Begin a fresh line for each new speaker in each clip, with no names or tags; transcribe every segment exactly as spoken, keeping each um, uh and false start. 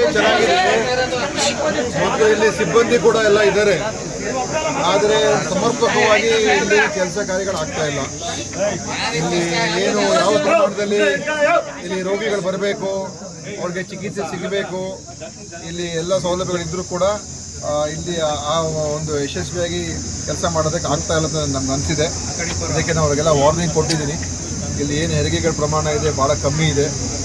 ಚೆನ್ನಾಗಿದೆ ಮತ್ತು ಇಲ್ಲಿ ಸಿಬ್ಬಂದಿ ಕೂಡ ಎಲ್ಲ ಇದ್ದಾರೆ. ಆದರೆ ಸಮರ್ಪಕವಾಗಿ ಇಲ್ಲಿ ಕೆಲಸ ಕಾರ್ಯಗಳಾಗ್ತಾ ಇಲ್ಲ. ಇಲ್ಲಿ ಏನು ಯಾವ ಪ್ರಮಾಣದಲ್ಲಿ ಇಲ್ಲಿ ರೋಗಿಗಳು ಬರಬೇಕು, ಅವ್ರಿಗೆ ಚಿಕಿತ್ಸೆ ಸಿಗಬೇಕು, ಇಲ್ಲಿ ಎಲ್ಲ ಸೌಲಭ್ಯಗಳಿದ್ದರೂ ಕೂಡ ಇಲ್ಲಿ ಆ ಒಂದು ಯಶಸ್ವಿಯಾಗಿ ಕೆಲಸ ಮಾಡೋದಕ್ಕೆ ಆಗ್ತಾ ಇಲ್ಲ ಅಂತ ನಮ್ಗೆ ಅನಿಸಿದೆ. ಅದಕ್ಕೆ ನಾವು ಅವ್ರಿಗೆಲ್ಲ ವಾರ್ನಿಂಗ್ ಕೊಟ್ಟಿದ್ದೀನಿ. ಇಲ್ಲಿ ಏನು ಹೆರಿಗೆಗಳ ಪ್ರಮಾಣ ಇದೆ ಭಾಳ ಕಮ್ಮಿ ಇದೆ.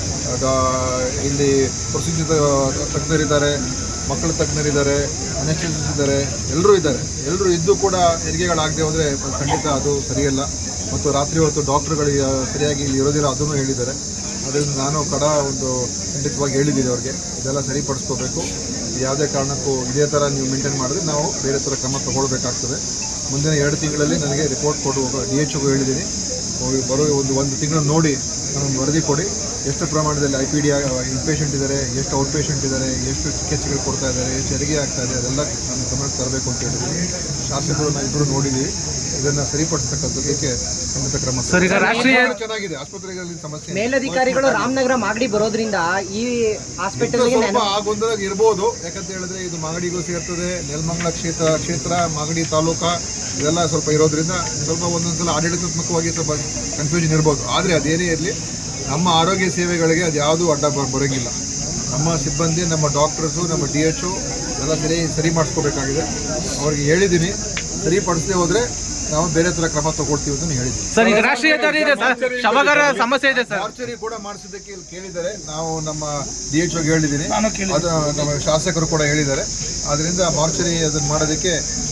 ಇಲ್ಲಿ ಪ್ರಸಿದ್ಧ ತಜ್ಞರಿದ್ದಾರೆ, ಮಕ್ಕಳ ತಜ್ಞರಿದ್ದಾರೆ, ಅನೆಸ್ಟೆಸಿಸ್ಟ್ ಇದ್ದಾರೆ, ಎಲ್ಲರೂ ಇದ್ದಾರೆ. ಎಲ್ಲರೂ ಇದ್ದು ಕೂಡ ಹೆರಿಗೆಗಳಾಗದೆ ಹೋದರೆ ಖಂಡಿತ ಅದು ಸರಿಯಲ್ಲ. ಮತ್ತು ರಾತ್ರಿ ಹೊತ್ತು ಡಾಕ್ಟ್ರುಗಳಿಗೆ ಸರಿಯಾಗಿ ಇಲ್ಲಿ ಇರೋದಿಲ್ಲ ಅದನ್ನು ಹೇಳಿದ್ದಾರೆ. ಅದರಿಂದ ನಾನು ಕಡ ಒಂದು ಖಂಡಿತವಾಗಿ ಹೇಳಿದ್ದೀನಿ ಅವ್ರಿಗೆ, ಇದೆಲ್ಲ ಸರಿಪಡಿಸ್ಕೋಬೇಕು. ಯಾವುದೇ ಕಾರಣಕ್ಕೂ ಇದೇ ಥರ ನೀವು ಮೇಂಟೈನ್ ಮಾಡಿದ್ರೆ ನಾವು ಬೇರೆ ಥರ ಕ್ರಮ ತಗೊಳ್ಬೇಕಾಗ್ತದೆ. ಮುಂದಿನ ಎರಡು ತಿಂಗಳಲ್ಲಿ ನನಗೆ ರಿಪೋರ್ಟ್ ಕೊಡುವ ಡಿ ಎಚ್ ಒಗೂ ಹೇಳಿದ್ದೀನಿ. ಬರೋ ಒಂದು ಒಂದು ತಿಂಗಳು ನೋಡಿ ನನಗೆ ವರದಿ ಕೊಡಿ. ಎಷ್ಟು ಪ್ರಮಾಣದಲ್ಲಿ ಐ ಪಿ ಡಿ ಇನ್ಪೇಷೆಂಟ್ ಇದ್ದಾರೆ, ಎಷ್ಟು ಔಟ್ ಪೇಷೆಂಟ್ ಇದ್ದಾರೆ, ಎಷ್ಟು ಚಿಕಿತ್ಸೆಗಳು ಕೊಡ್ತಾ ಇದ್ದಾರೆ, ಎಷ್ಟು ಹೆರಿಗೆ ಆಗ್ತಾ ಇದೆ, ಅದೆಲ್ಲ ನಾನು ಗಮನಕ್ಕೆ ತರಬೇಕು ಅಂತ ಹೇಳಿದ್ದೀನಿ. ಶಾಸಕರು ನಾವು ಇಬ್ಬರು ನೋಡಿದ್ದೀವಿ. ಇದನ್ನು ಸರಿಪಡಿಸ್ತಕ್ಕಂಥದ್ದಕ್ಕೆ ಖಂಡಿತ ಕ್ರಮ. ಚೆನ್ನಾಗಿದೆ ಆಸ್ಪತ್ರೆಗಳಲ್ಲಿ ಸಮಸ್ಯೆ.
ಮೇಲಧಿಕಾರಿಗಳು ರಾಮನಗರ ಮಾಗಡಿ ಬರೋದ್ರಿಂದ ಈ ಹಾಸ್ಪಿಟಲ್
ಸ್ವಲ್ಪ ಆ ಗೊಂದಲ ಇರ್ಬೋದು. ಯಾಕಂತ ಹೇಳಿದ್ರೆ ಇದು ಮಾಗಡಿಗೂ ಸೇರ್ತದೆ, ನೆಲಮಂಗಲ ಕ್ಷೇತ್ರ ಕ್ಷೇತ್ರ ಮಾಗಡಿ ತಾಲೂಕಾ ಇದೆಲ್ಲ ಸ್ವಲ್ಪ ಇರೋದ್ರಿಂದ ಸ್ವಲ್ಪ ಒಂದೊಂದ್ಸಲ ಆಡಳಿತಾತ್ಮಕವಾಗಿ ಸ್ವಲ್ಪ ಕನ್ಫ್ಯೂಷನ್ ಇರ್ಬೋದು. ಆದರೆ ಅದೇನೇ ಇರಲಿ, ನಮ್ಮ ಆರೋಗ್ಯ ಸೇವೆಗಳಿಗೆ ಅದು ಯಾವುದೂ ಅಡ್ಡ ಬರೋಂಗಿಲ್ಲ. ನಮ್ಮ ಸಿಬ್ಬಂದಿ, ನಮ್ಮ ಡಾಕ್ಟರ್ಸು, ನಮ್ಮ ಡಿ ಎಚ್ ಒ ಎಲ್ಲ ಸರಿ ಸರಿ ಮಾಡಿಸ್ಕೋಬೇಕಾಗಿದೆ. ಅವ್ರಿಗೆ ಹೇಳಿದ್ದೀನಿ, ಸರಿಪಡಿಸದೆ ಹೋದರೆ ನಾವು ಬೇರೆ ತರ ಕ್ರಮ ತಗೊಳ್ತೀವಿ ಅಂತ ಹೇಳಿದ್ವಿ.
ಸರ್, ಈಗ ರಾಷ್ಟ್ರೀಯ ಹೆದ್ದಾರಿ ಇದೆ ಸರ್, ಶವಗಾರ ಸಮಸ್ಯೆ ಇದೆ ಸರ್.
ಮಾರ್ಚರಿ ಕೂಡ ಮಾಡಿಸಿದ್ದಕ್ಕೆ ಇಲ್ಲಿ ಕೇಳಿದ್ದಾರೆ. ನಾವು ನಮ್ಮ ಡಿ ಎಚ್ ಒಗೆ ಹೇಳಿದ್ದೀನಿ, ಅದು ನಮ್ಮ ಶಾಸಕರು ಕೂಡ ಹೇಳಿದ್ದಾರೆ. ಅದರಿಂದ ಮಾರ್ಚರಿ ಅದನ್ನು ಮಾಡೋದಕ್ಕೆ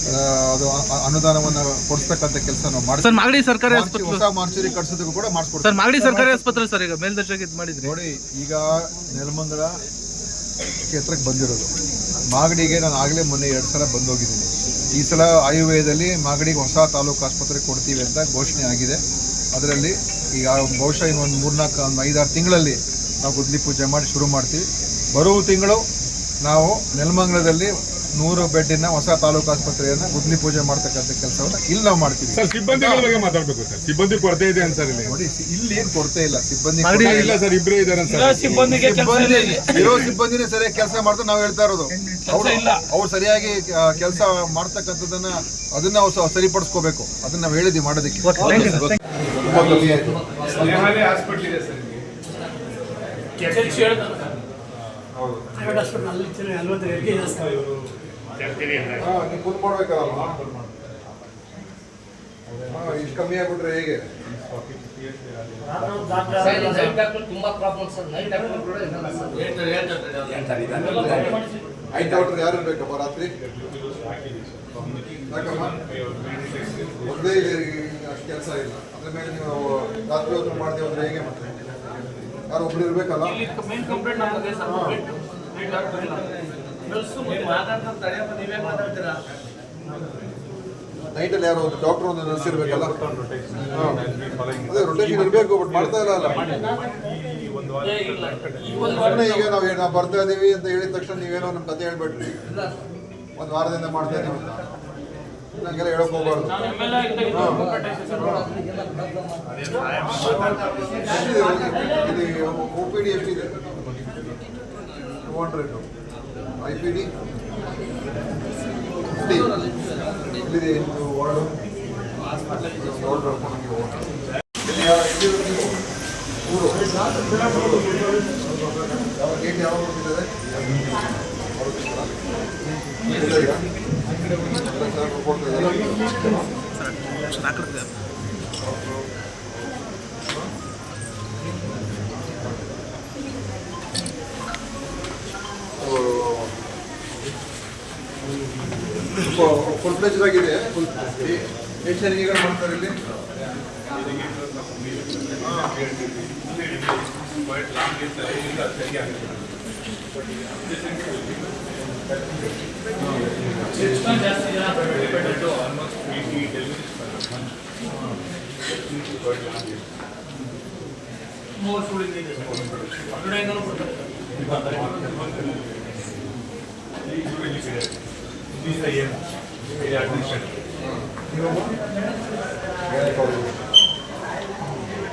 ಅದು ಅನುದಾನವನ್ನು ಕೊಡಿಸ್ತಕ್ಕಂಥ ಕೆಲಸ ನಾವು ಮಾಡ್ತೀವಿ.
ಸರ್, ಮಾಗಡಿ ಸರ್ಕಾರಿ ಆಸ್ಪತ್ರೆ
ಹೊಸ ಮಾರ್ಚರಿ ಕಟ್ಸೋದಕ್ಕೂ ಕೂಡ ಮಾಡಿಸ್ಕೊಡ್ತೀವಿ.
ಸರ್, ಮಾಗಡಿ ಸರ್ಕಾರಿ ಆಸ್ಪತ್ರೆ ಸರ್ ಈಗ ಮೇಲ್ದರ್ಜೆಗೆ ಇದು ಮಾಡಿದ್ರಿ
ನೋಡಿ. ಈಗ ನೆಲಮಂಗಲ ಕ್ಷೇತ್ರಕ್ಕೆ ಬಂದಿರೋದು, ಮಾಗಡಿಗೆ ನಾನು ಆಗಲೇ ಮೊನ್ನೆ ಎರಡು ಸಲ ಬಂದೋಗಿದ್ದೀನಿ. ಈ ಸಲ ಆಯುರ್ವೇದದಲ್ಲಿ ಮಾಗಡಿಗೆ ಹೊಸ ತಾಲೂಕು ಆಸ್ಪತ್ರೆ ಕೊಡ್ತೀವಿ ಅಂತ ಘೋಷಣೆ ಆಗಿದೆ. ಅದರಲ್ಲಿ ಈಗ ಬಹುಶಃ ಇನ್ನೊಂದು ಮೂರ್ನಾಲ್ಕು ಒಂದು ಐದಾರು ತಿಂಗಳಲ್ಲಿ ನಾವು ಗುದ್ಲಿ ಪೂಜೆ ಮಾಡಿ ಶುರು ಮಾಡ್ತೀವಿ. ಬರುವ ತಿಂಗಳು ನಾವು ನೆಲಮಂಗಲದಲ್ಲಿ ನೂರು ಬೆಡ್ಡಿನ ಹೊಸ ತಾಲೂಕು ಆಸ್ಪತ್ರೆಯನ್ನು ಗುದ್ಲಿ ಪೂಜೆ ಮಾಡ್ತಕ್ಕಂಥ ಕೆಲಸವನ್ನು ಇಲ್ಲಿ ನಾವು ಮಾಡ್ತೀವಿ.
ಸಿಬ್ಬಂದಿಗಳ ಬಗ್ಗೆ ಮಾತಾಡಬೇಕು ಸರ್. ಸಿಬ್ಬಂದಿ ಕೊರತೆ ಇದೆ ಅಂತ ಸರ್ ಇಲ್ಲಿ.
ನೋಡಿ, ಇಲ್ಲಿ ಏನು ಕೊರತೆ ಇಲ್ಲ, ಸಿಬ್ಬಂದಿ
ಇಲ್ಲ ಸರ್, ಇಬ್ಬರೇ ಇದ್ದಾರೆ ಸರ್.
ಸಿಬ್ಬಂದಿ ಇರೋ ಸಿಬ್ಬಂದಿನೇ ಸರಿಯಾಗಿ ಕೆಲಸ ಮಾಡ್ತಾ ನಾವು ಹೇಳ್ತಾ ಇರೋದು. ಅವ್ರು ಅವ್ರು ಸರಿಯಾಗಿ ಕೆಲಸ ಮಾಡ್ತಕ್ಕಂಥದ್ದನ್ನ ಅದನ್ನ ನಾವು ಸರಿಪಡಿಸ್ಕೋಬೇಕು. ಅದನ್ನ ನಾವು ಹೇಳಿದ್ವಿ ಮಾಡೋದಕ್ಕೆ. ಇಷ್ಟು ಕಮ್ಮಿ ಆಗ್ಬಿಟ್ರೆ ಹೇಗೆ?
ತುಂಬಾ ಪ್ರಾಬ್ಲಮ್ ಸರ್.
ಐದು ಡಾಕ್ಟರ್ ಯಾರು ಇರ್ಬೇಕಪ್ಪ ರಾತ್ರಿ? ಯಾಕಮ್ಮ ಒಂದೇ ಅಷ್ಟು ಕೆಲಸ ಇಲ್ಲ. ಅದ್ರ ಮೇಲೆ ನೀವು ರಾತ್ರಿ ಹೊತ್ತು ಮಾಡದೆ ಹೋದ್ರೆ ಹೇಗೆ? ಮತ್ತೆ ಯಾರು ಒಬ್ರು ಇರ್ಬೇಕಲ್ಲ. ನೈಟಲ್ಲಿ ಯಾರು ಒಂದು ಡಾಕ್ಟರ್ ಒಂದು ನರ್ಸ್ ಇರ್ಬೇಕಲ್ಲ. ಅದೇ ರೊಟೇಷನ್ ಇರಬೇಕು, ಬಟ್ ಮಾಡ್ತಾ ಇಲ್ಲ ಅಲ್ಲ. ಈಗ ನಾವು ನಾವು ಬರ್ತಾ ಇದೀವಿ ಅಂತ ಹೇಳಿದ ತಕ್ಷಣ ನೀವೇನೋ ನಮ್ಮ ಕತೆ ಹೇಳ್ಬೇಡ್ರಿ. ಒಂದು ವಾರದಿಂದ ಮಾಡ್ತಾ ಇದೀವಿ ಅಂತ ನಂಗೆಲ್ಲ ಹೇಳಕ್ ಹೋಗ್ಬಾರ್ದು. ಇದು ಒ ಪಿ ಡಿ ಎಷ್ಟಿದೆ? Two hundred. I P D fifty. ಇಲ್ಲಿದೆ ವಾರ್ಡು. ಊರು ಗೇಟ್ ಯಾವಾಗ ಹೋಗ್ತಿದ್ದಾರೆ? ಫುಲ್ ಫ್ಲೆಜ್ ಆಗಿದೆ. ಎಷ್ಟು ಹೆರಿಗೆಗಳು ಮಾಡ್ತಾರೆ ಇಲ್ಲಿ?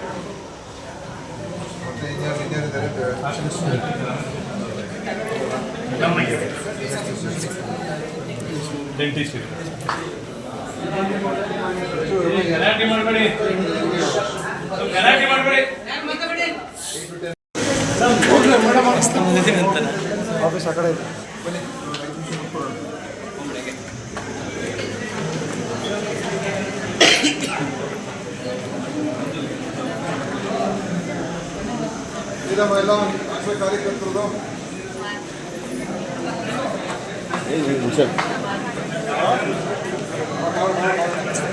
ಮತ್ತೆ ಇನ್ಯಾರು ಇನ್ಯಾರಿದ್ದಾರೆ?
ಗಲಾಟೆ ಮಾಡಬೇಡಿ ಗಲಾಟೆ ಮಾಡಬೇಡಿ
ಆಫೀಸ್ ಆ ಕಡೆ ಇದೆ. ಇದಮ್ಮ ಎಲ್ಲ ಆಶಾ ಕಾರ್ಯಕರ್ತರದು
ಹುಷಾರು